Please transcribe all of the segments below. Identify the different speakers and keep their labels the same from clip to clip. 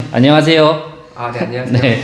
Speaker 1: 안녕하세요.
Speaker 2: 네, 안녕하세요.
Speaker 1: 네.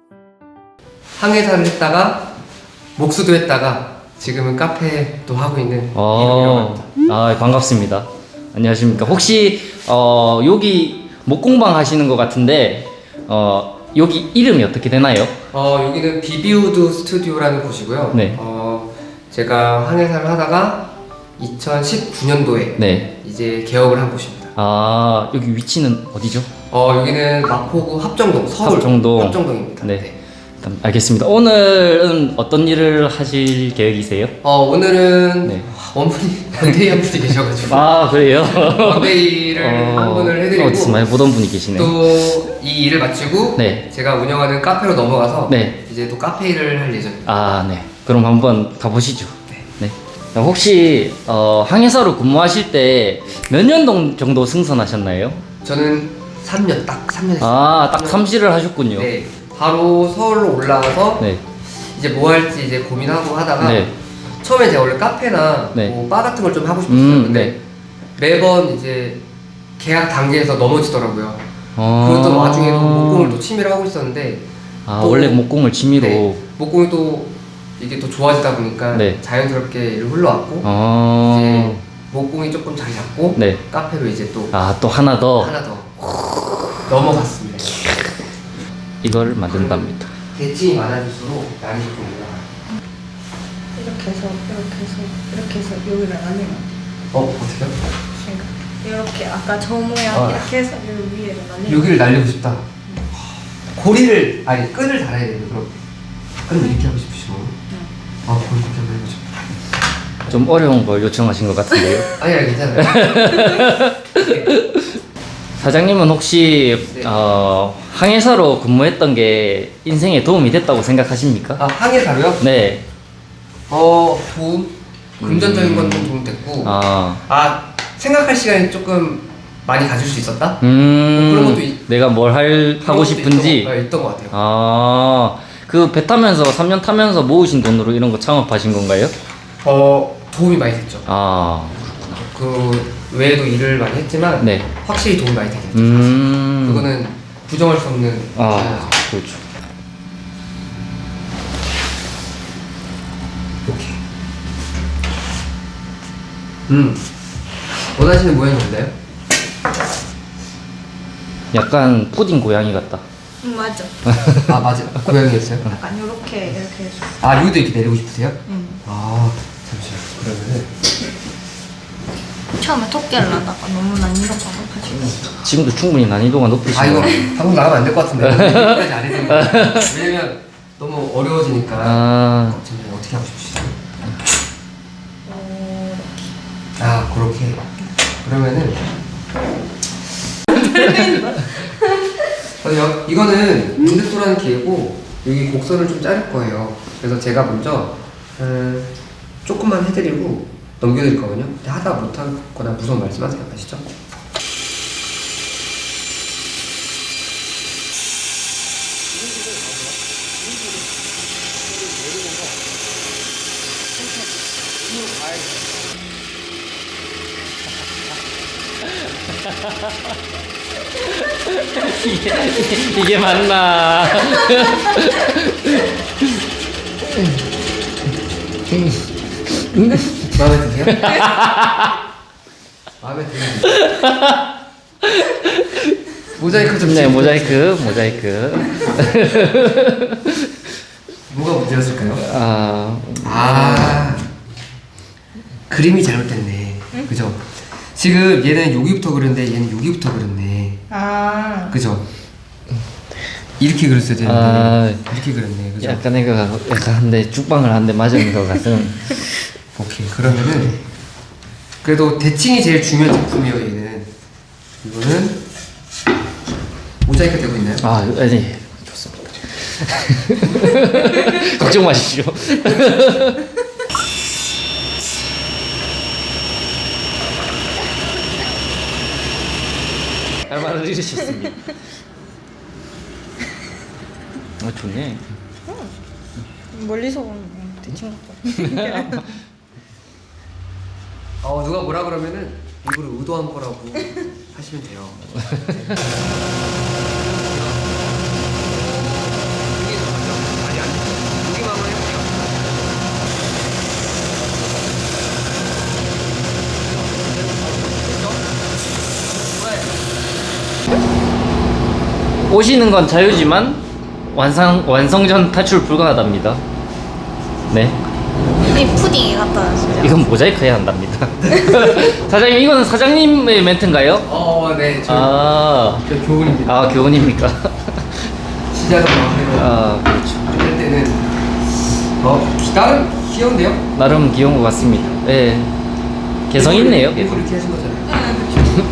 Speaker 2: 항해사를 했다가 목수도 했다가 지금은 카페도 하고 있는 이동이라고 합니다.
Speaker 1: 반갑습니다. 안녕하십니까. 혹시 여기 목공방 하시는 것 같은데 여기 이름이 어떻게 되나요?
Speaker 2: 여기는 비비우드 스튜디오라는 곳이고요.
Speaker 1: 네.
Speaker 2: 제가 항해사를 하다가 2019년도에
Speaker 1: 네.
Speaker 2: 이제 개업을 한 곳입니다.
Speaker 1: 여기 위치는 어디죠?
Speaker 2: 여기는 마포구 합정동, 서울 합정동입니다.
Speaker 1: 네. 일단 알겠습니다. 오늘은 어떤 일을 하실 계획이세요?
Speaker 2: 오늘은
Speaker 1: 네.
Speaker 2: 원분이 원데이 한 분이 계셔가지고
Speaker 1: 그래요?
Speaker 2: 원데이를 한 분을 해드리고
Speaker 1: 어디서 많이 보던 분이 계시네.
Speaker 2: 또 이 일을 마치고
Speaker 1: 네.
Speaker 2: 제가 운영하는 카페로 넘어가서
Speaker 1: 네.
Speaker 2: 이제 또 카페 일을 할 예정입니다.
Speaker 1: 네. 그럼 한번 가보시죠. 네. 혹시 항해사로 근무하실 때 몇 년 정도 승선하셨나요?
Speaker 2: 저는 3년, 딱 3년 했어요.
Speaker 1: 딱 삼시를 하셨군요.
Speaker 2: 네. 바로 서울로 올라와서
Speaker 1: 네.
Speaker 2: 이제 뭐 할지 이제 고민하고 하다가
Speaker 1: 네.
Speaker 2: 처음에 제가 원래 카페나
Speaker 1: 네.
Speaker 2: 뭐 바 같은 걸 좀 하고 싶었어요. 근데
Speaker 1: 네.
Speaker 2: 매번 이제 계약 단계에서 넘어지더라고요. 그랬던 와중에도 목공을 또 취미로 하고 있었는데 또
Speaker 1: 원래 목공을 취미로.
Speaker 2: 네, 목공이 또 이게 또 좋아지다 보니까
Speaker 1: 네.
Speaker 2: 자연스럽게 일을 흘러왔고 이제 목공이 조금 자리 잡고
Speaker 1: 네.
Speaker 2: 카페로 이제 또
Speaker 1: 또 하나 더
Speaker 2: 하나 더 넘어갔습니다.
Speaker 1: 이걸 만든답니다.
Speaker 2: 대칭이 많아질수록 날이 조금 올라가요.
Speaker 3: 이렇게 해서 이렇게 해서 여기를 나뉘면
Speaker 2: 어떻게요?
Speaker 3: 이렇게 아까 저 모양 이렇게 해서 여기 위에를 나뉘면
Speaker 2: 여기를 날리고 싶다. 고리를 끈을 달아야 돼요. 그럼 끈을 이렇게 하고 싶으시고 고리 이렇게 한번 해보죠.
Speaker 1: 좀 어려운 걸 요청하신 것 같은데요.
Speaker 2: 아니 괜찮아요.
Speaker 1: 사장님은 혹시
Speaker 2: 네.
Speaker 1: 항해사로 근무했던 게 인생에 도움이 됐다고 생각하십니까?
Speaker 2: 항해사로요?
Speaker 1: 네.
Speaker 2: 도움? 금전적인 건 좀 도움 됐고 생각할 시간이 조금 많이 가질 수 있었다? 그런 것도
Speaker 1: 내가 뭘 하고 싶은지
Speaker 2: 있던 것 같아요.
Speaker 1: 그 배 타면서 3년 타면서 모으신 돈으로 이런 거 창업하신 건가요?
Speaker 2: 도움이 많이 됐죠. 그 외에도 일을 많이 했지만
Speaker 1: 네.
Speaker 2: 확실히 도움이 많이 되긴 했죠. 그거는 부정할 수 없는
Speaker 1: 그렇죠.
Speaker 2: 이렇게 원하시는 모양이 뭔가요?
Speaker 1: 약간 푸딩 고양이 같다.
Speaker 3: 맞아.
Speaker 2: 맞아. 고양이였어요?
Speaker 3: 약간 이렇게 해서
Speaker 2: 여기도 이렇게 내리고 싶으세요? 잠시만요. 그러면은
Speaker 3: 처음에 토끼를 하다가 너무 난이도가 높아지고
Speaker 1: 지금도 충분히 난이도가 높으시네요.
Speaker 2: 이거 방송 나가면 안 될 것 같은데 여기까지 안 해드릴게요. 왜냐면 너무 어려워지니까 지금 어떻게 하고 싶으시죠? 그렇게 그러면은 이거는 문득도라는 기회고 여기 곡선을 좀 자를 거예요. 그래서 제가 먼저 조금만 해드리고 넘겨드릴 거거든요. 근데 하다 못하거나 무서운 말씀하세요. 아시죠?
Speaker 1: 이게 맞나?
Speaker 2: 마음에 드세요? 마음에 드세요? 모자이크 좀
Speaker 1: 네,
Speaker 2: 찍어주세요.
Speaker 1: 모자이크.
Speaker 2: 뭐가 문제였을까요?
Speaker 1: 아.
Speaker 2: 그림이 잘못됐네. 그죠? 지금 얘는 여기부터 그렸는데 얘는 여기부터 그렸네. 그죠? 이렇게 그렸어야 되는데 이렇게 그렸네. 그죠?
Speaker 1: 약간 한대 죽방을 한 대 맞은 것 같은.
Speaker 2: 오케이. 그러면은 그래도 대칭이 제일 중요한 제품이에요. 얘는 이거는 모자이크 되고 있나요?
Speaker 1: 네, 좋습니다. 걱정 마십시오. 잘 말해주셨습니다. 좋네.
Speaker 3: 멀리서 보면 대충 같고
Speaker 2: 누가 뭐라 그러면은 일부러 의도한 거라고 하시면 돼요.
Speaker 1: 오시는 건 자유지만 완성전 탈출 불가하답니다. 네.
Speaker 3: 이 푸딩이 갖다 놨어요.
Speaker 1: 이건 모자이크 해야 한답니다. 사장님, 이거는 사장님의 멘트인가요?
Speaker 2: 네.
Speaker 1: 아,
Speaker 2: 저 교훈입니다.
Speaker 1: 아, 교훈입니까?
Speaker 2: 시작은 마음대로.
Speaker 1: 아, 그렇죠.
Speaker 2: 할 때는 나름 귀여운데요?
Speaker 1: 나름 귀여운 것 같습니다. 예. 개성 있네요.
Speaker 2: 일부러 이렇게 하신 거잖아요.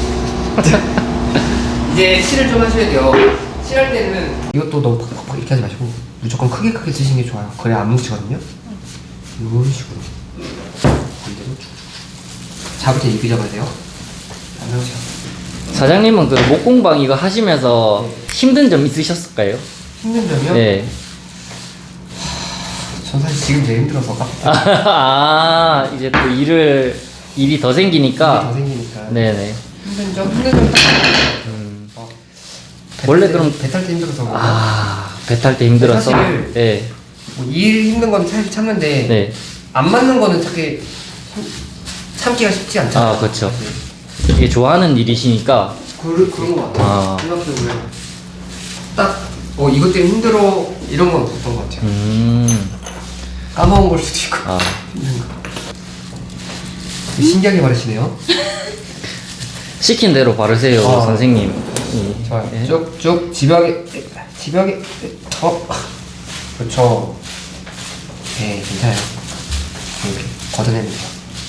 Speaker 2: 이제 칠을 좀 하셔야 돼요. 칠할 때는 이것도 너무 팍팍팍 이렇게 하지 마시고 무조건 크게 크게 치시는 게 좋아요. 그래야 안 뭉치거든요. 이런 식으로 반대로 쭉 잡을 때 입이 잡아야 돼요. 안 나오죠.
Speaker 1: 사장님은 그 목공방 이거 하시면서 힘든 점 있으셨을까요?
Speaker 2: 힘든 점이요?
Speaker 1: 네.
Speaker 2: 전 사실 지금 제일 힘들어서
Speaker 1: 아, 이제 또 일이 더 생기니까.
Speaker 2: 더 생기니까.
Speaker 1: 네네.
Speaker 2: 힘든 점 딱.
Speaker 1: 원래 그럼
Speaker 2: 배탈 때 힘들어서.
Speaker 1: 배 탈 때 힘들어서.
Speaker 2: 사실
Speaker 1: 네.
Speaker 2: 일 힘든 건 사실 참는데
Speaker 1: 네.
Speaker 2: 안 맞는 거는 참기가 쉽지 않잖아요.
Speaker 1: 아, 그렇죠. 이게 좋아하는 일이시니까.
Speaker 2: 그런 거 같아요.
Speaker 1: 아.
Speaker 2: 생각해보면 딱 이것 때문에 힘들어 이런 건 없었던 것 같아요. 까먹은 걸 수도 있고
Speaker 1: 아.
Speaker 2: 힘든 거. 신기하게 말하시네요.
Speaker 1: 시킨 대로 바르세요,
Speaker 2: 아.
Speaker 1: 선생님.
Speaker 2: 좋아요.
Speaker 1: 네.
Speaker 2: 쭉쭉 집요하게 그렇죠. 네, 괜찮아요. 이렇게 걷어내면 돼요.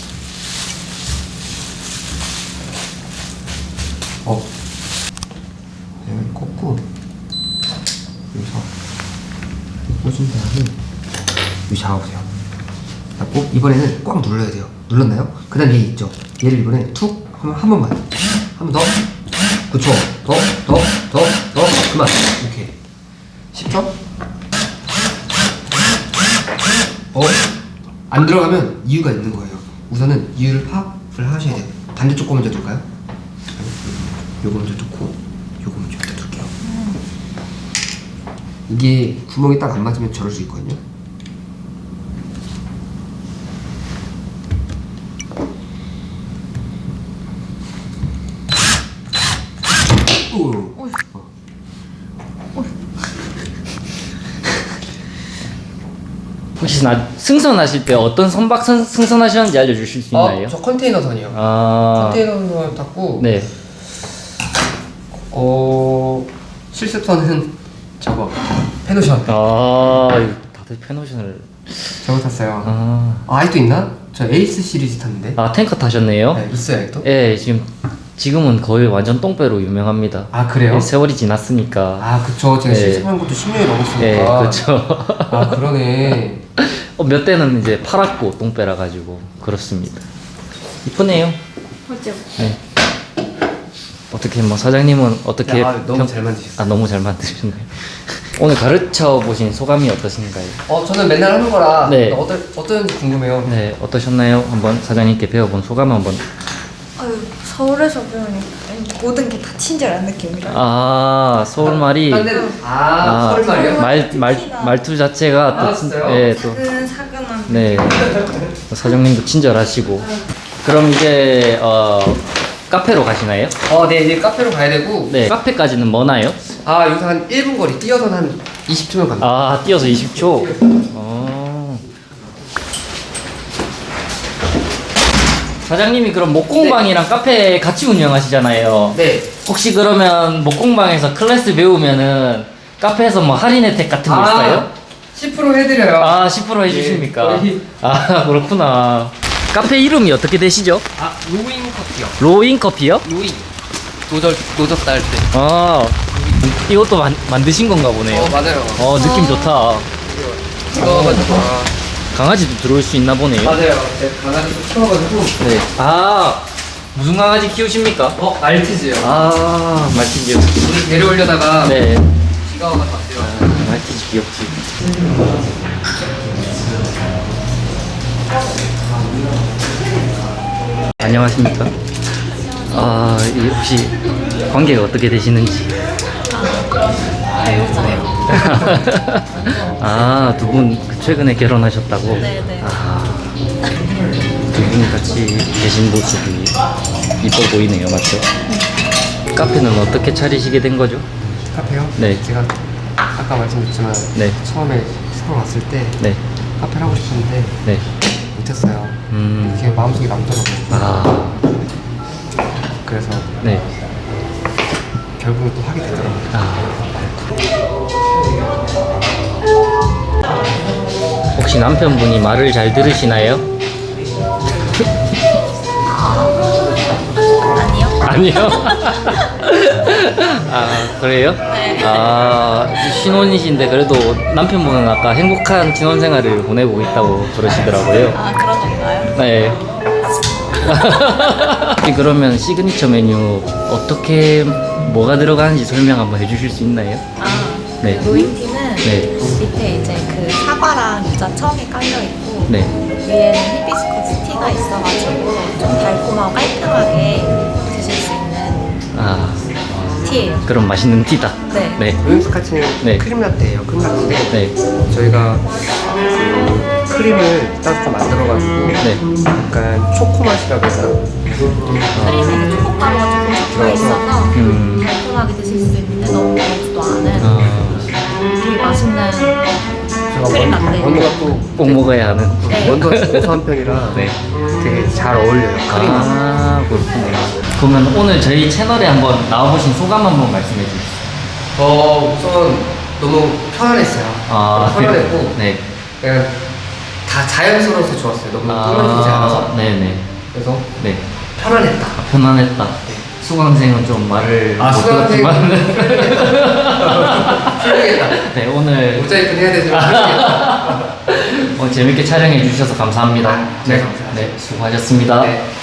Speaker 2: 여기 꽂고 여기서 꽂은 다음에 여기 잡아보세요. 꼭 이번에는 꽉 눌러야 돼요. 눌렀나요? 그 다음 얘 있죠? 얘를 이번에 툭 한 번만 한 번 더. 그쵸. 더 그만. 이렇게 쉽죠? 안 들어가면 이유가 있는 거예요. 우선은 이유를 파악을 하셔야 돼요. 반대쪽 거 먼저 둘까요? 요거 먼저 뚫고 요거 먼저 여기다 둘게요. 이게 구멍이 딱 안 맞으면 저럴 수 있거든요.
Speaker 1: 혹시 승선하실 때 어떤 선박 승선하셨는지 알려주실 수 있나요?
Speaker 2: 저 컨테이너 선이요.
Speaker 1: 아,
Speaker 2: 컨테이너 선 탔고
Speaker 1: 네.
Speaker 2: 실습선은 저거 페노션
Speaker 1: 다들 페노션을.
Speaker 2: 저거 탔어요.
Speaker 1: 아,
Speaker 2: 아직도 있나? 저 에이스 시리즈 탔는데.
Speaker 1: 탱커 타셨네요?
Speaker 2: 네, 있어요 아직도?
Speaker 1: 예, 지금은 거의 완전 똥배로 유명합니다.
Speaker 2: 아 그래요?
Speaker 1: 예, 세월이 지났으니까.
Speaker 2: 아 그쵸. 제가
Speaker 1: 네.
Speaker 2: 실습한 것도 10년이 넘었으니까.
Speaker 1: 예, 그렇죠.
Speaker 2: 아 그러네.
Speaker 1: 몇 대는 이제 팔았고 똥배라 가지고 그렇습니다. 이쁘네요.
Speaker 3: 맞죠?
Speaker 1: 네. 어떻게 사장님은 어떻게
Speaker 2: 너무 잘 만드셨어요.
Speaker 1: 너무 잘 만드셨네요. 오늘 가르쳐 보신 소감이 어떠신가요?
Speaker 2: 저는 맨날 하는 거라
Speaker 1: 네.
Speaker 2: 어떤지 궁금해요.
Speaker 1: 네, 어떠셨나요? 한번 사장님께 배워본 소감 한번.
Speaker 3: 아유, 서울에서 배우니까 모든 게 다 친절한 느낌이라.
Speaker 1: 서울 말이
Speaker 2: 딴 데는 서울 말이요?
Speaker 1: 말투 자체가
Speaker 2: 진짜요?
Speaker 1: 또
Speaker 3: 사근사근한.
Speaker 1: 네. 사장님도 친절하시고. 그럼 이제 카페로 가시나요?
Speaker 2: 네, 이제 카페로 가야 되고.
Speaker 1: 네. 카페까지는 머나요?
Speaker 2: 여기서 한 1분 거리 뛰어서 한 20초면 갑니다.
Speaker 1: 뛰어서 20초. 사장님이 그럼 목공방이랑 카페 같이 운영하시잖아요.
Speaker 2: 네.
Speaker 1: 혹시 그러면 목공방에서 클래스 배우면은 카페에서 할인 혜택 같은 거 있어요?
Speaker 2: 10% 해드려요.
Speaker 1: 10% 해주십니까?
Speaker 2: 네,
Speaker 1: 그렇구나. 카페 이름이 어떻게 되시죠?
Speaker 2: 로잉 커피요.
Speaker 1: 로잉 커피요?
Speaker 2: 로잉. 노젓다 할 때.
Speaker 1: 이것도 만드신 건가 보네요.
Speaker 2: 맞아요.
Speaker 1: 느낌 좋다.
Speaker 2: 찍어가지고.
Speaker 1: 강아지도 들어올 수 있나 보네요.
Speaker 2: 맞아요. 제가 강아지 좀 키워가지고.
Speaker 1: 네. 무슨 강아지 키우십니까?
Speaker 2: 말티즈요.
Speaker 1: 말티즈.
Speaker 2: 우리 데려오려다가
Speaker 1: 네.
Speaker 2: 비가 와서 왔어요.
Speaker 1: 말티즈 귀엽지. 안녕하십니까? 혹시 관계가 어떻게 되시는지?
Speaker 3: 배우자요.
Speaker 1: 두 분 최근에 결혼하셨다고?
Speaker 3: 네네.
Speaker 1: 두 분이 같이 계신 모습이 이뻐 보이네요, 맞죠? 카페는 어떻게 차리시게 된 거죠?
Speaker 2: 카페요?
Speaker 1: 네.
Speaker 2: 제가 아까 말씀드렸지만
Speaker 1: 네.
Speaker 2: 처음에 서울 왔을 때
Speaker 1: 네.
Speaker 2: 카페를 하고 싶었는데
Speaker 1: 네.
Speaker 2: 못했어요. 이게 마음속에 남더라고요.
Speaker 1: 아.
Speaker 2: 그래서
Speaker 1: 네.
Speaker 2: 결국은 또 하게 되더라고요.
Speaker 1: 아. 혹시 남편분이 말을 잘 들으시나요?
Speaker 3: 아니요.
Speaker 1: 아니요. 아, 그래요?
Speaker 3: 네.
Speaker 1: 아, 신혼이신데 그래도 남편분은 아까 행복한 신혼 생활을 보내고 있다고 그러시더라고요.
Speaker 3: 아, 그런 건가요?
Speaker 1: 네. 그러면 시그니처 메뉴 어떻게 뭐가 들어가는지 설명 한번 해주실 수 있나요?
Speaker 3: 아,
Speaker 1: 네.
Speaker 3: 그 로잉티는
Speaker 1: 네.
Speaker 3: 밑에 이제 그 사과랑 유자 청이 깔려 있고
Speaker 1: 네.
Speaker 3: 위에는 히비스커스 티가 있어가지고 좀 달콤하고 깔끔하게 드실 수 있는
Speaker 1: 아,
Speaker 3: 티예요.
Speaker 1: 그럼 맛있는 티다.
Speaker 3: 네.
Speaker 1: 네.
Speaker 2: 로잉스카치는
Speaker 1: 네.
Speaker 2: 크림 라떼예요. 크림 라떼인데
Speaker 1: 네.
Speaker 2: 저희가 그 크림을 따로 좀 만들어가지고
Speaker 1: 네.
Speaker 2: 약간 초코 맛이라고 해야 되나?
Speaker 3: 크림에 초코가루가 조금 섞여 있어서 달콤하게 드실 수 있는데 너무 달지도 않은 되게 맛있는 크림 라떼.
Speaker 2: 원두가 또
Speaker 1: 꼭 먹어야 하는.
Speaker 3: 네.
Speaker 2: 원두가 고소한 편이라
Speaker 1: 네.
Speaker 2: 되게 잘 어울려요. 크림.
Speaker 1: 아, 그렇군요. 그러면 오늘 저희 채널에 한번 나와보신 소감 한번 말씀해 주세요.
Speaker 2: 우선 너무 편안했어요.
Speaker 1: 아,
Speaker 2: 편안했고
Speaker 1: 네.
Speaker 2: 그냥 다 자연스러워서 좋았어요. 너무 끊어지지 않아서.
Speaker 1: 네네.
Speaker 2: 그래서
Speaker 1: 네.
Speaker 2: 편안했다.
Speaker 1: 편안했다. 수강생은 좀 말을 못 들었지만.
Speaker 2: 풀리겠다.
Speaker 1: 네, 오늘
Speaker 2: 모자이크 해야 되지만 풀리겠다.
Speaker 1: 재밌게 촬영해 주셔서 감사합니다.
Speaker 2: 네, 감사합니다.
Speaker 1: 네, 수고하셨습니다.
Speaker 2: 네.